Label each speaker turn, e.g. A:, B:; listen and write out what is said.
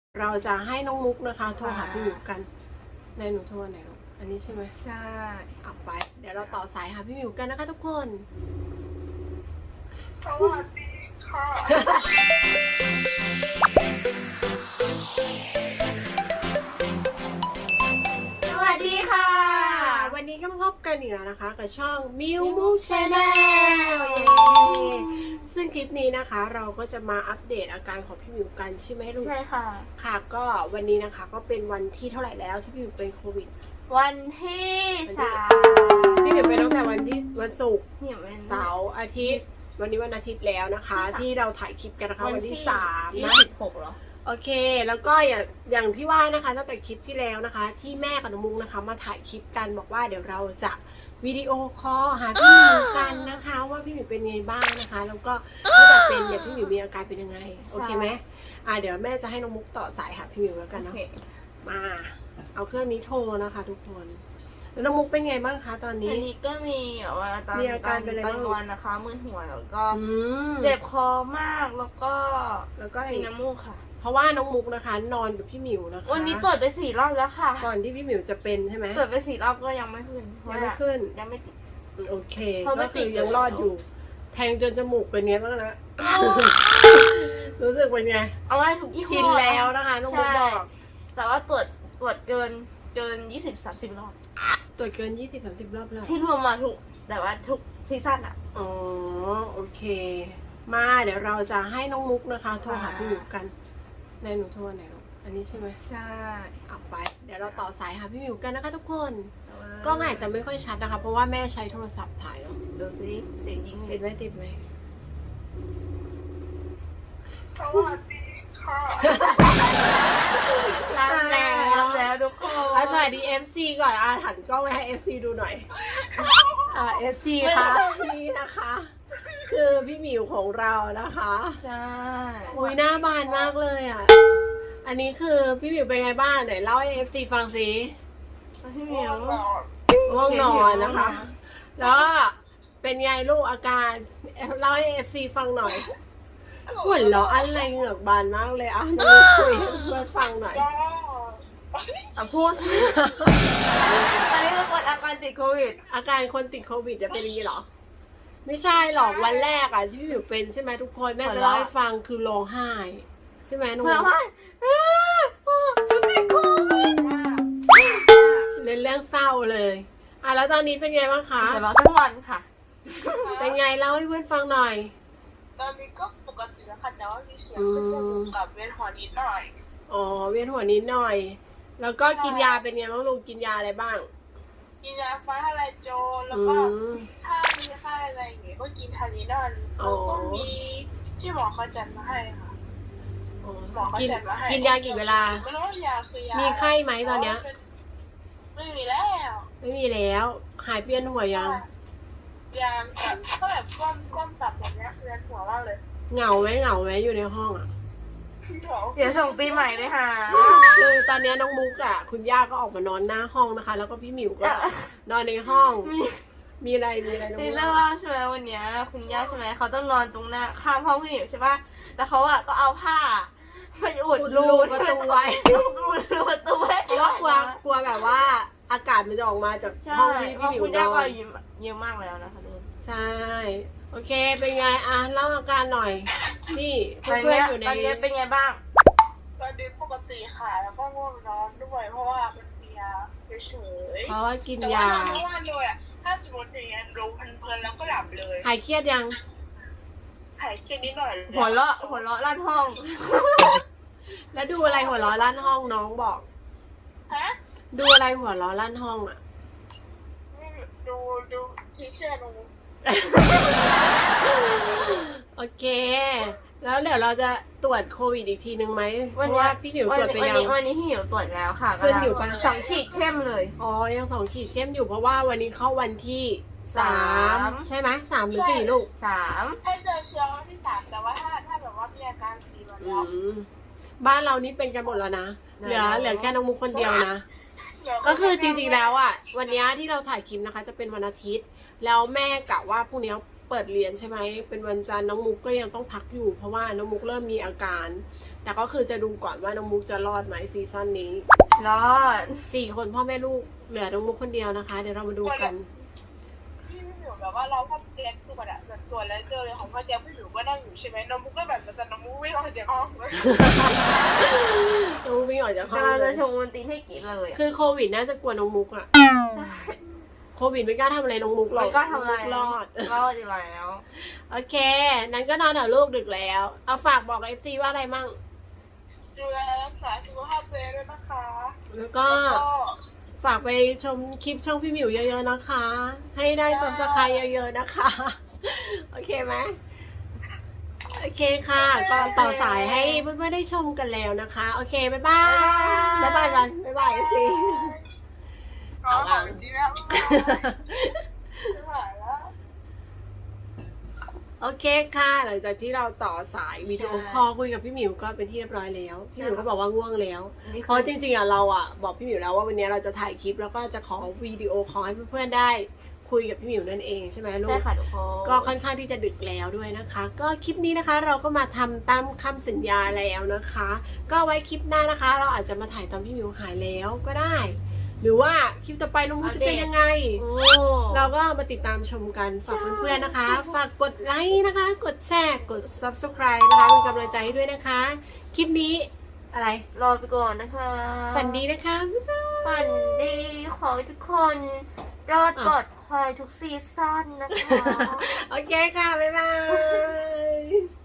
A: เราจะให้น้องมุกนะคะโทรหาพี่หมิวกันในหนูโทรไหนลูกอันนี้ใช่ไหม
B: ใช่
A: เอาไปเดี๋ยวเราต่อสายหาพี่หมิวกันนะคะทุกคน
C: สวัสดีค่ะ
A: สวัสดีค่ะ วันนี้ก็มาพบกันอีกแล้วนะคะกับช่องมิวมุกชาแนลซึ่งคลิปนี้นะคะเราก็จะมาอัปเดตอาการของพี่หมิวกันใช่ไหมลูก
B: ใช่ค่ะ
A: ค่ะก็วันนี้นะคะก็เป็นวันที่เท่าไหร่แล้วที่พี่หมิวเป็นโควิด
B: วันที่3
A: พี่หมิวเป็นตั้งแต่วันศุกร์
B: หิวเป็น
A: เสาร์อาทิตย์วันนี้วันอาทิตย์แล้วนะคะ ที่เราถ่ายคลิปกันนะคะวันที่3นะ
B: 26เหรอ
A: โอเคแล้วก็อย่างที่ว่านะคะตั้งแต่คลิปที่แล้วนะคะ ที่แม่กับน้องมุกนะคะมาถ่ายคลิปกันบอกว่าเดี๋ยวเราจะวิดีโอคอลหาพี่หมิวกันนะคะ ว่าพี่หมิวเป็นไงบ้างนะคะ แล้วก็ถ้าจะเป็นเนี่ยพี่หมิวมีอาการเป็นยังไงโอเคไหมเดี๋ยวแม่จะให้น้องมุกต่อสายหาพี่หมิวแล้วกัน
B: โอ
A: เนาะ
B: เค
A: มาเอาเครื่องนี้โทรนะคะทุกคนแล้วน้องมุกเป็นไงบ้างคะตอนนี้
B: อันนี้ก็มีแบบว่าตอน
A: มีอาการเป็นอะไร
B: ก
A: บ้าง
B: ลางวันนะคะมึนหัวแล้วก็
A: ม
B: เจ็บคอมากแล้วก็
A: แล้วก็
B: มีน้ำมูกค่ะ
A: เพราะว่าน้องมุกนะคะนอนกับพี่หมิวนะคะ
B: วันนี้ตรวจไป4 รอบแล้วค่ะ
A: ก่อนที่พี่หมิวจะเป็นใช่ไหม
B: ตรวจไป4 รอบก็ยังไม่ขึ้นเพราะ
A: ยังไม่
B: ว่า
A: ขึ้น
B: ยังไม่ติด
A: โอเค
B: เพราะไม่
A: ก็
B: ติ
A: คื
B: ด
A: อยังรอดอยู่ แทงจนจมูกเป็นไงบ้างนะ รู้สึกเป็นไง
B: เอาไว้ทุกยี่ห้อ
A: ชินแล้วนะคะน้องมุกบอก
B: แต่ว่าตรวจเกิน20-30 รอบ
A: ตรวจเกิน 20-30 รอบแล้ว
B: ที่รวมมาทุกแต่ว่าทุกซีซั่นอะ
A: อ๋อโอเค มาเดี๋ยวเราจะให้น้องมุกนะคะโทรหาพี่หมิวกันในหนูโทรไหนลูกอันนี้ใช่ไหม
B: ใช่
A: เอาไป เดี๋ยวเราต่อสายหาพี่หมิวกันนะคะทุกคนกล้องอาจจะไม่ค่อยชัดนะคะ เพราะว่าแม่ใช้โทรศัพท์ถ่ายเนาะ
B: ดูสิเด็กยิง
A: ติดไหมติดไหม
C: สวัสดีค่ะ
A: รับแล้ว
B: ทุกคน
A: สวัสดี FC ก่อนหันกล้องไปให้ FC ดูหน่อยFC ค่ะนี่นะคะ คือพี่หมิวของเรานะคะ
B: ใช่
A: อุ้ยหน้าบานมากเลยอ่ะอันนี้คือพี่หมิวเป็นไงบ้างไหนเล่าให้ FC ฟังสิ
B: พี่เหมียว
A: ง่วงนอนนะคะ แล้วก็เป็นไงลูกอาการเล่าให้ FC ฟังหน่อยหัวเราะอะไรเหงือกบานมากเลยอ่ะน้องคุยให้เพื่อนฟังหน่อย
C: ก็
B: พูดอันนี้คือคนอาการติดโควิด
A: อาการคนติดโควิดจะเป็นอย่างนี้เหรอ ไม่ใช่หรอกวันแรกอ่ะที่พี่หมิวเป็นใช่ไหมทุกคนแม่จะเล่าให้ฟังคือร้องไห้ใช่ไหมน้อง
B: เพื่อว่าติดโควิด
A: เล่นเรื่องเศร้าเลยแล้วตอนนี้เป็นไงบ้างคะ
B: เดี๋ยวเราทั้งวันค่ะ
A: เป็นไงเล่าให้เพื่อนฟังหน่อย
C: ตอนนี้ก็ปกติแล้วค่ะแต่ว่ามีเสียงขึ้นจมูกกับเวียนหัวนิดหน่อย
A: อ๋อเวียนหัวนิดหน่อย แล้วก็กินยาเป็นไงบ้างลูกกินยาอะไรบ้าง
C: กินยาฟ้าทลายโจรแล้วก็ถ้ามีไข้อะไรอย่างเงี้ยก็กินทานิดอนแล้วก็มีที่หมอเขาจัดมาให้ค่ะ หมอเขา
A: กิน
C: จัดมาให้
A: กินยากี่เวลา
C: ไม่รู้ว่ายาคือยา
A: มีไข้ไหมตอนเนี้ย
C: ไม่มีแล้ว
A: ไม่มีแล้วหายเวียนหัวยัง
C: ยาแบบก็แบบก้มสับแบบเนี้ยเวียนหัวมากเลย
A: เหงาไหมอยู่ในห้องอ่ะ
B: เดี๋ยวส่งปีใหม่ไปหา
A: คือตอนนี้น้องมุกอ่ะคุณย่าก็ออกมานอนหน้าห้องนะคะ แล้วก็พี่หมิวก็นอนในห้อง มีอะไรน้อง
B: นี่
A: มุก
B: เรื่องเล่าใช่ไหมวันเนี้ยคุณย่าใช่ไหมเขาต้องนอนตรงหน้าข้ามห้องพี่หมิวใช่ปะแล้วเขาอะก็เอาผ้าไปอุดรู
A: ประตูไว้
B: อุดรูประตูไว้
A: เพราะว่ากลัวแบบว่าอากาศมันจะออกมาจาก
B: ใช่
A: ห้องที่
B: เพ
A: พี่
B: ราะ
A: หมิว
B: คุณ
A: น
B: ย่า
A: อ
B: ก็
A: น
B: เยอะมากแล้วนะคะทุกคน
A: ใช่ โอเค เป็นไงเล่าอาการหน่อย นี่
B: ตอน
A: เพื่อ
B: เนี้
A: น
B: ย
A: ๆอยู่ใน
B: ตอนเนี้ยเป็นไงบ้าง
C: ตอนนี้ปกติค่ะแล้วก็ง่วงนอนด้วยเพราะว่ามันมียาเฉย
A: เพราะว่ากิน
C: แต่ว่าย
A: า
C: นอนทั้งวันเลยอ่ะถ้าสมมติอย่างเงี้ยรู้เพลินๆแล้วก็หลับเลย
A: หายเครียดยัง
C: หายเครียดนิดหน่อย
B: หัวเราะลั่นห้อง
A: แล้วดูอะไรหัวเราะลั่นห้องน้องบอก
C: ฮะ
A: ดูอะไรหัวเราะลั่นห้องอ่ะ
C: ดูที่เชื่อหนู
A: โอเค แล้วเดี๋ยวเราจะตรวจโควิดอีกทีนึงไหมเพ
B: วัน
A: ราะ
B: เนี้
A: ว่าย พี่หมิวตรวจไปยัง
B: วันนี้พี่หมิวตรวจแล้วค่ะ
A: ขึ้นอยู่ปะ
B: 2 ขีดเข้มเลย
A: อ๋อ ยัง2 ขีดเข้มอยู่เพราะว่าวันนี้เข้าวันที่ 3 ใช่ไหม3 หรือ 4 ลูก
B: 3
C: ให้เจอเชื้อวันที่ 3แต่ว่าถ้าแบบว่ามีอาการ4วันแล้ว
A: บ้านเรานี่เป็นกันหมดแล้วนะ เหลือแค่น้องมุกคนเดียวนะ ก็คือจริงๆแล้วอ่ะวันนี้ที่เราถ่ายคลิปนะคะ จะเป็นวันอาทิตย์ แล้วแม่กะว่าพรุ่งนี้เปิดเรียนใช่ไหมเป็นวันจันทร์น้องมุกก็ยังต้องพักอยู่เพราะว่าน้องมุกเริ่มมีอาการ แต่ก็คือจะดูก่อนว่าน้องมุกจะรอดไหมซีซั่นนี้
B: รอด
A: 4 คนพ่อแม่ลูกเหลือน้องมุกคนเดียวนะคะ เดี๋ยวเรามาดูกัน
C: พี่หมิวแบบว่าเราพ่อแจ๊คตัวอะแบบตัวแล้วเจอเลยของพ่อแจ๊คพี่หมิวก็นั่งอยู่ใช่ไหมน้องมุกก็แบบแต่น้องมุกวิ่งออกจากห้องเลย
A: น้องมุกวิ่งออกจากห้อง
B: กำลัง
A: เล
B: จะ
A: ย
B: ชงมันตีนให้กินเลยอะ
A: คือโควิดน่าจะกลัวน้องมุกอะ
B: ใช่
A: โควิดไม่กล้าทำอะไรน้องมุกหรอก
B: มันก็ทำอะไร
A: รอด
B: รอดอยู่แล้ว
A: โอเค นั้นก็นอนเถอะลูกดึกแล้ว เอาฝากบอก FC ว่าอะไรมั่ง
C: ดูแลรักษาสุขภาพตัวเองด้วยนะคะ
A: แล้วก็ฝากไปชมคลิปช่องพี่หมิวเยอะๆนะคะ ให้ได้ Subscribe เยอะๆนะคะ โอเคไหมโอเคค่ะ ก็ต่อสายให้เพื่อนๆได้ชมกันแล้วนะคะ โอเค บ๊ายบาย บ๊ายบายกัน บ๊ายบาย FC
C: ก็ขอบคุณที่แล้วไม่ไหวแล้ว
A: โอเคค่ะ หลังจากที่เราต่อสายวิดีโอคอลคุยกับพี่หมิวก็เป็นที่เรียบร้อยแล้ว พี่หมิวก็บอกว่าง่วงแล้ว
B: นี่
A: เพราะจริงๆอ่ะเราอ่ะบอกพี่หมิวแล้วว่าวันนี้เราจะถ่ายคลิปแล้วก็จะขอวิดีโอคอลให้เพื่อนๆได้คุยกับพี่หมิวนั่นเองใช่ไหมลู
B: ใช่
A: ก
B: ค่ะทุกคน
A: ก็ค่อนข้างที่จะดึกแล้วด้วยนะคะ ก็คลิปนี้นะคะเราก็มาทำตามคำสัญญาแล้วนะคะ ก็ไว้คลิปหน้านะคะ เราอาจจะมาถ่ายตอนพี่หมิวหายแล้วก็ได้ หรือว่าคลิปต่อไปลุงมุกจะเป็นยังไง
B: โอ้
A: เราก็มาติดตามชมกันฝากเพื่อนๆนะคะ ฝากกดไลค์นะคะ กดแชร์กด subscribe นะคะเป็นกำลังใจให้ด้วยนะคะ คลิปนี้อะไร
B: รอไปก่อนนะคะ
A: ฝันดีนะคะบ๊ายบาย
B: ฝันดีขอให้ทุกคนรอดปลอดภัยทุกซีซั่นนะคะ
A: โอเคค่ะ บ๊ายบาย